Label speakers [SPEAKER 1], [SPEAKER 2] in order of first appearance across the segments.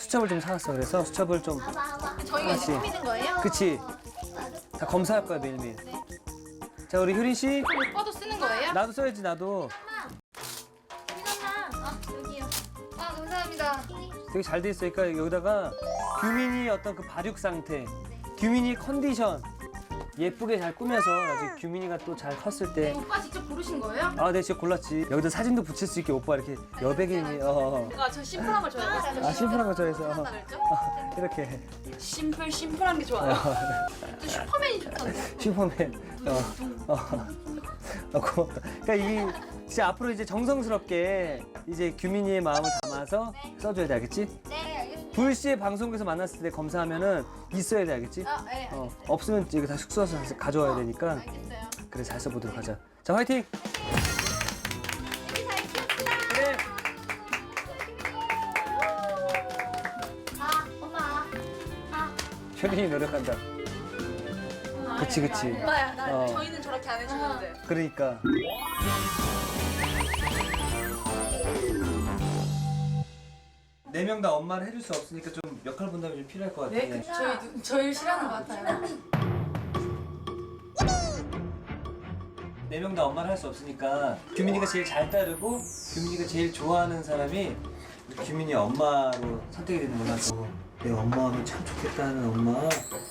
[SPEAKER 1] 수첩을 좀 사왔어. 그래서 수첩을 좀
[SPEAKER 2] 저희가 이제
[SPEAKER 1] 하나씩.
[SPEAKER 2] 꾸미는 거예요?
[SPEAKER 1] 그치? 다 검사할 거야 매일매일. 자 우리 효린 씨,
[SPEAKER 2] 오빠도 쓰는 거예요?
[SPEAKER 1] 나도 써야지 나도.
[SPEAKER 2] 여기요. 아 감사합니다.
[SPEAKER 1] 되게 잘 돼 있으니까 여기다가 규민이 어떤 그 발육 상태, 규민이 컨디션 예쁘게 잘 꾸며서 나중에 규민이가 또 잘 컸을 때.
[SPEAKER 2] 오빠 직접 고르신 거예요?
[SPEAKER 1] 아, 네, 진짜 골랐지. 여기다 사진도 붙일 수 있게 오빠 이렇게 여백이니.
[SPEAKER 3] 저 심플한 걸 좋아해요.
[SPEAKER 1] 아, 심플한 거 좋아해서. 이렇게.
[SPEAKER 3] 심플한 게 좋아요.
[SPEAKER 2] 또 슈퍼맨이 좋던데.
[SPEAKER 1] 슈퍼맨. 고맙다. 그러니까 이게 진짜 앞으로 이제 정성스럽게 이제 규민이의 마음을 담아서 써줘야 돼, 알겠지?
[SPEAKER 2] 네 알겠습니다.
[SPEAKER 1] 불시에 방송국에서 만났을 때 검사하면은 있어야 돼, 알겠지?
[SPEAKER 2] 아 네.
[SPEAKER 1] 없으면 이거 다 숙소에서 다시 가져와야 되니까.
[SPEAKER 2] 알겠어요.
[SPEAKER 1] 그래, 잘 써보도록 하자. 자, 화이팅!
[SPEAKER 2] 여기 잘 키웠습니다.
[SPEAKER 1] 그래.
[SPEAKER 2] 엄마.
[SPEAKER 1] 효린이 노력한다. 그치, 그치.
[SPEAKER 3] 엄마야,
[SPEAKER 1] 어.
[SPEAKER 3] 저희는 저렇게 안 해주는데.
[SPEAKER 1] 그러니까. 네 명 다 엄마를 해줄 수 없으니까 좀 역할 분담이 좀 필요할 것 같아.
[SPEAKER 3] 네? 저희 싫어하는 것 같아요.
[SPEAKER 1] 네 명 다 엄마를 할 수 없으니까 규민이가 제일 잘 따르고 규민이가 제일 좋아하는 사람이 규민이 엄마로 선택이 되는 걸로 하고. 내 엄마 하면 참 좋겠다 하는 엄마.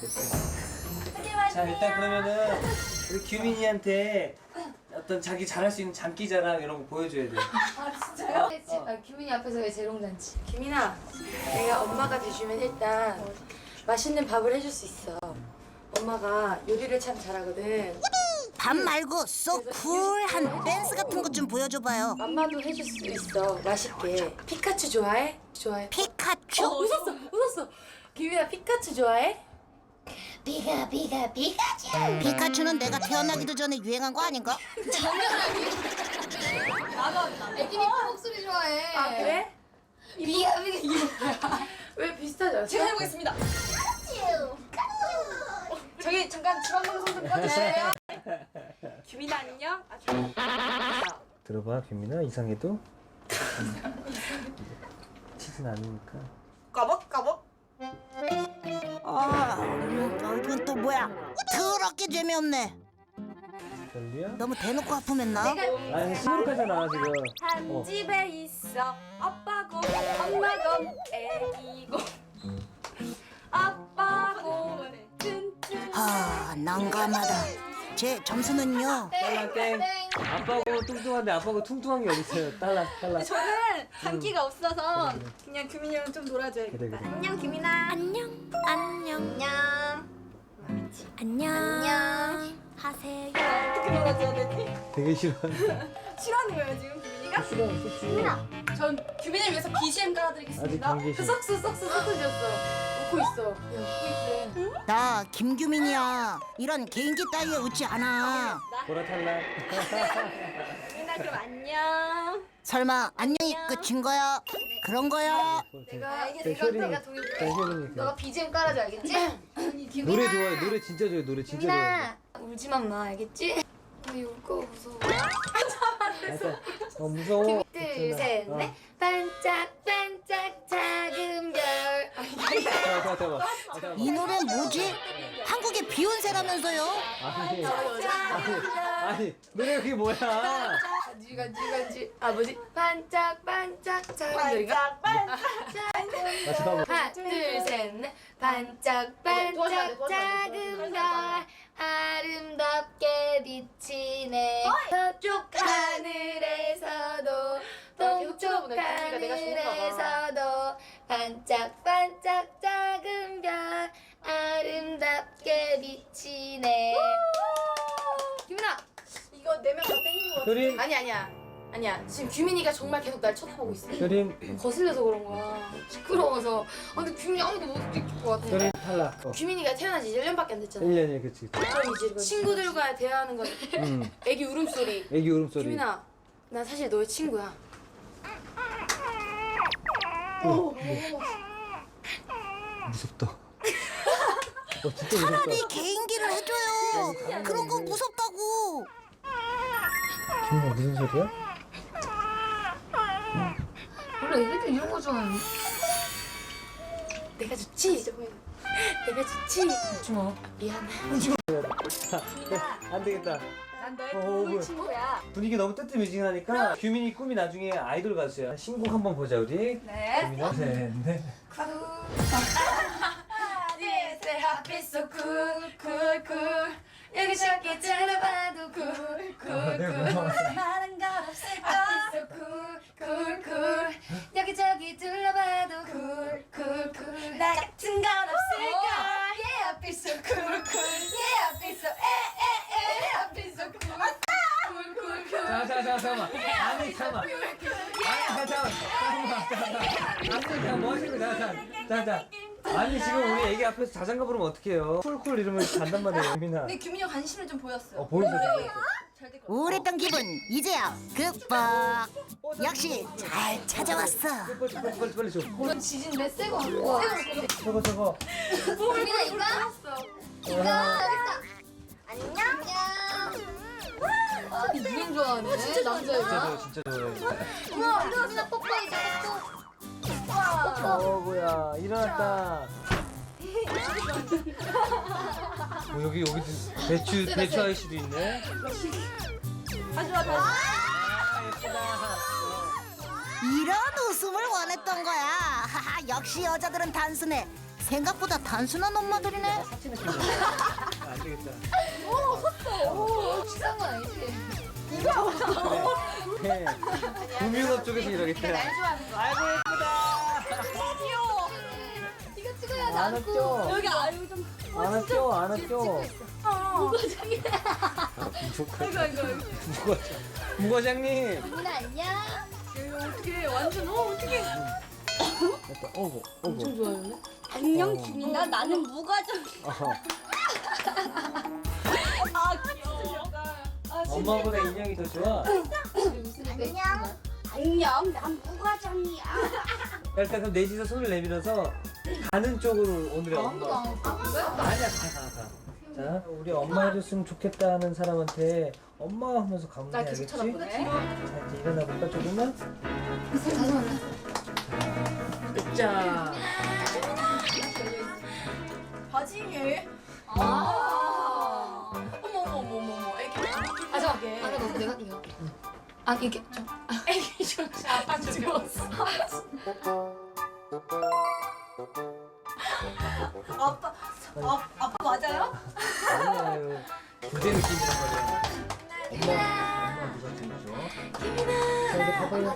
[SPEAKER 1] 자, 일단 그러면은 우리 규민이한테 어떤 자기 잘할 수 있는 장기자랑 이런 거 보여줘야 돼.
[SPEAKER 2] 규민이 앞에서 왜 재롱잔치?
[SPEAKER 4] 규민아, 내가 엄마가 돼주면 일단 맛있는 밥을 해줄 수 있어. 엄마가 요리를 참 잘하거든.
[SPEAKER 5] 밥 말고 쏙 쿨한 댄스 같은 것 좀 보여줘봐요.
[SPEAKER 4] 맘마도 해줄 수 있어. 맛있게. 피카츄 좋아해? 좋아해.
[SPEAKER 5] 피카츄?
[SPEAKER 4] 웃었어. 규민아, 피카츄 좋아해?
[SPEAKER 5] 피카츄는 내가 태어나기도 전에 유행한 거 아닌가?
[SPEAKER 2] 애기 미코 목소리 좋아해.
[SPEAKER 4] 아, 그래?
[SPEAKER 2] 비가
[SPEAKER 4] 왜 비슷하지 않아?
[SPEAKER 3] 제가 해보겠습니다. 저기 잠깐 주방방송 좀 꺼주세요. 규민아 안녕.
[SPEAKER 1] 들어봐, 규민아. 이상해도 치진 않으니까.
[SPEAKER 3] 까벅까벅.
[SPEAKER 5] 이건 또 뭐야? 더럽게 재미없네.
[SPEAKER 1] 별리야?
[SPEAKER 5] 너무 대놓고 아프했나?
[SPEAKER 1] 아니, 시무룩하잖아 지금.
[SPEAKER 3] 한 집에 있어 아빠고 엄마고 애기고 아빠고 튼튼.
[SPEAKER 5] 난감하다. 제 점수는요?
[SPEAKER 1] 딸랑 땡. 아빠고 뚱뚱한데 아빠고 퉁퉁한 게 어딨어요. 딸랑.
[SPEAKER 3] 저는 장기가 없어서 그냥 규민이랑 좀 놀아줘야겠다.
[SPEAKER 1] 그래.
[SPEAKER 2] 안녕 규민아.
[SPEAKER 5] 안녕.
[SPEAKER 2] 안녕.
[SPEAKER 5] 하세요.
[SPEAKER 3] 어떻게 놀아줘야 되지?
[SPEAKER 1] 되게 싫어한다.
[SPEAKER 3] 싫어하는 거예요 지금 규민이가?
[SPEAKER 1] 싫어.
[SPEAKER 3] 전 규민이를 위해서 BGM
[SPEAKER 1] 아직
[SPEAKER 3] 깔아드리겠습니다.
[SPEAKER 1] 감기
[SPEAKER 4] 그
[SPEAKER 1] 싫어.
[SPEAKER 4] 썩스 흩어졌어. 웃고 있어. 야, 웃고 있대.
[SPEAKER 5] 나 김규민이야. 이런 개인기 따위에 웃지 않아.
[SPEAKER 1] 보라 탈락.
[SPEAKER 3] 규민아 그럼 안녕.
[SPEAKER 5] 설마 안녕이 끝인 거야? 그런 거야?
[SPEAKER 1] 효린이. 효린이.
[SPEAKER 2] 너가 BGM 깔아줘 알겠지?
[SPEAKER 1] 노래 좋아해. 노래 진짜 좋아해. 노래 진짜 좋아해.
[SPEAKER 2] 울지만 마 알겠지? 우리 울거 무서워.
[SPEAKER 1] 무서워.
[SPEAKER 2] 둘, 셋, 넷. 반짝반짝 작은 별.
[SPEAKER 1] 잠깐만.
[SPEAKER 5] 이 노래 뭐지? 한국의 비욘세라면서요?
[SPEAKER 1] 아니, 노래가 그게 뭐야?
[SPEAKER 2] 간지. 아 뭐지? 반짝반짝 작은 별인가?
[SPEAKER 1] 잠깐만.
[SPEAKER 2] 하나, 둘, 셋, 넷. 반짝반짝 작은 별 아름답게 비치네. 서쪽 하늘에서도 동쪽 하늘에서도 반짝반짝 작은 별 아름답게 비치네. 규민아,
[SPEAKER 4] 이거 4명 다 땡긴 거 같아.
[SPEAKER 1] 효린.
[SPEAKER 4] 아니야. 지금 규민이가 정말 계속 날 쳐다보고 있어.
[SPEAKER 1] 효린.
[SPEAKER 4] 거슬려서 그런 거야. 시끄러워서. 근데 규민이 아무도 못 느낄 것 같아.
[SPEAKER 1] 효린 탈락.
[SPEAKER 4] 규민이가 태어난 지 1년밖에 안 됐잖아.
[SPEAKER 1] 1년이야, 그치.
[SPEAKER 4] 친구들과 대화하는 건 애기 울음소리.
[SPEAKER 1] 애기 울음소리.
[SPEAKER 4] 규민아, 난 사실 너의 친구야.
[SPEAKER 1] 무섭다. 진짜 무섭다.
[SPEAKER 5] 차라리 개인기를 해줘요. 그런 거 무섭다고.
[SPEAKER 1] 규민아, 무슨 소리야?
[SPEAKER 2] 원래 애기들 이런 거 좋아하는데.
[SPEAKER 4] 내가 좋지? 내가 좋지?
[SPEAKER 1] 뭐.
[SPEAKER 4] 미안해.
[SPEAKER 1] 안 되겠다.
[SPEAKER 3] 난 너의
[SPEAKER 1] 뭐.
[SPEAKER 3] 꿀 친구야.
[SPEAKER 1] 분위기 너무 뜨뜻미지근하니까 규민이 꿈이 나중에 아이돌 가수야. 신곡 한번 보자 우리.
[SPEAKER 3] 네.
[SPEAKER 1] 규민아. 셋, 넷.
[SPEAKER 2] 내 앞에서 쿨쿨쿨 여기 저기 둘러봐도 쿨쿨쿨 많은 걸 없을까 앞에서 쿨쿨쿨 여기 저기 둘러봐도 쿨쿨쿨 나 같은 건 없을까 얘 앞에서 쿨쿨 얘 앞에서 에에에 앞에서 쿨쿨쿨
[SPEAKER 1] 잠깐만. 아니 잠깐만. 아니 뭐 하시는 거야? 자. 아니 지금 우리 애기 앞에서 자장가 부르면 어떡해요? 쿨쿨 이러면 잔단 말이에요, 규민아.
[SPEAKER 2] 근데 규민이 관심을 좀 보였어요.
[SPEAKER 1] 보여줘.
[SPEAKER 5] 우울했던 기분 이제야 극복. 역시 잘 찾아왔어.
[SPEAKER 1] 빨리 줘.
[SPEAKER 2] 이건 지진데 새거 갖고
[SPEAKER 1] 저거.
[SPEAKER 2] 규민아 이거? 이거 여기 있다. 안녕. 유행 좋아하네. 진짜 남자애가.
[SPEAKER 1] 진짜 좋아해.
[SPEAKER 2] 우와 규민아 뽀뽀해줘 뽀뽀.
[SPEAKER 1] 뭐야 일어났다. 여기 배추 아이씨도 있네.
[SPEAKER 5] 이런 웃음을 원했던 거야. 하하, 역시 여자들은 단순해. 생각보다 단순한 엄마들이네.
[SPEAKER 1] 안 되겠다.
[SPEAKER 2] 비싼 거 아니지?
[SPEAKER 1] 네. 금융업 쪽에서 일하겠대.
[SPEAKER 2] 날 좋아하는 거.
[SPEAKER 1] 아이고 예쁘다.
[SPEAKER 2] 귀여워. 이거 찍어야지
[SPEAKER 1] 안
[SPEAKER 2] 않고.
[SPEAKER 1] 왔죠?
[SPEAKER 2] 여기 아유 좀.
[SPEAKER 1] 안 왔죠?
[SPEAKER 2] 무과장이야.
[SPEAKER 1] 무과장님.
[SPEAKER 2] 규민아 안녕.
[SPEAKER 3] 어떻게 완전 어떻게?
[SPEAKER 1] 어구.
[SPEAKER 3] 엄청 좋아하네.
[SPEAKER 2] 안녕 규민아 나는 무과장.
[SPEAKER 1] 엄마보다 인형이 더 좋아.
[SPEAKER 2] 안녕 난 무과장이야.
[SPEAKER 1] 일단 그럼 넷이서 손을 내밀어서 가는 쪽으로 오늘의
[SPEAKER 2] 아무도
[SPEAKER 1] 엄마.
[SPEAKER 2] 안 했어.
[SPEAKER 1] 아니야 가. 자 우리 엄마 해줬으면 좋겠다 하는 사람한테 엄마 하면서 가면 돼
[SPEAKER 3] 나 계속
[SPEAKER 1] 알겠지?
[SPEAKER 3] 쳐다보네.
[SPEAKER 1] 자 이제 일어나 볼까 조금만?
[SPEAKER 2] 다시 만나.
[SPEAKER 3] 자.
[SPEAKER 2] 바지에.
[SPEAKER 3] 어머. 애기
[SPEAKER 2] 아 잠깐. 아나 너 내가 이거. 아 이게 좀.
[SPEAKER 3] 애기 좀 아빠 죽었어.
[SPEAKER 2] 아빠 맞아요?
[SPEAKER 1] 아니에요. 부대 느낌이란 말이야. 엄마 누가 챙겨줘? 자 이제 가봐요.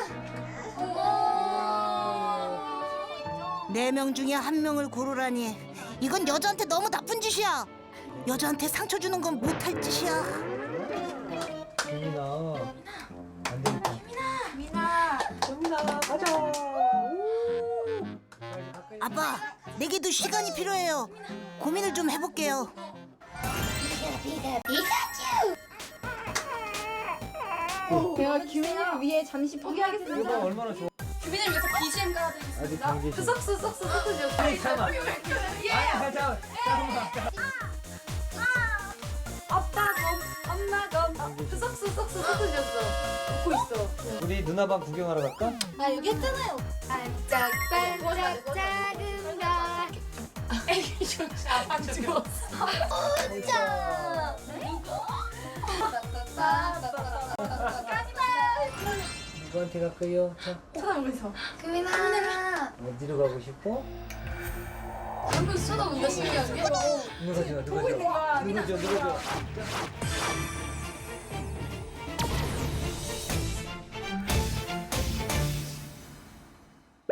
[SPEAKER 5] 네 명 중에 한 명을 고르라니. 이건 여자한테 너무 나쁜 짓이야. 여자한테 상처 주는 건 못할 짓이야.
[SPEAKER 1] 규민아 안 되겠다.
[SPEAKER 2] 규민아.
[SPEAKER 1] 가자.
[SPEAKER 5] 아빠, 내게도 시간이 필요해요. 고민을 좀 해볼게요.
[SPEAKER 3] 제가 규민이를 위해 잠시
[SPEAKER 1] 이거
[SPEAKER 3] 포기하겠습니다.
[SPEAKER 1] 얼마나 좋아.
[SPEAKER 2] 규민을 위해서 BGM
[SPEAKER 1] 아직
[SPEAKER 2] 깔아드리겠습니다.
[SPEAKER 1] 경계심.
[SPEAKER 2] 쏙쏙쏙쏙 쏙쏙.
[SPEAKER 1] 아니 잠깐만. 아니 잠깐만.
[SPEAKER 2] 엄마검 쏙쏙쏙쏙 쏙쏙줬어.
[SPEAKER 3] 웃고 있어.
[SPEAKER 1] 우리 누나방 구경하러 갈까?
[SPEAKER 2] 아 여기 했잖아요. 반짝반짝 작은 별.
[SPEAKER 3] 애기 좀 아빠 죽었어.
[SPEAKER 2] 진짜.
[SPEAKER 1] 누구한테 갈까요? 자
[SPEAKER 3] 쳐다보면서.
[SPEAKER 2] 규민아.
[SPEAKER 1] 어디로 가고 싶어?
[SPEAKER 2] 한번 쳐다본다 신기하게.
[SPEAKER 1] 누가 줘?
[SPEAKER 3] 보고 있는 거야.
[SPEAKER 1] 누가 줘?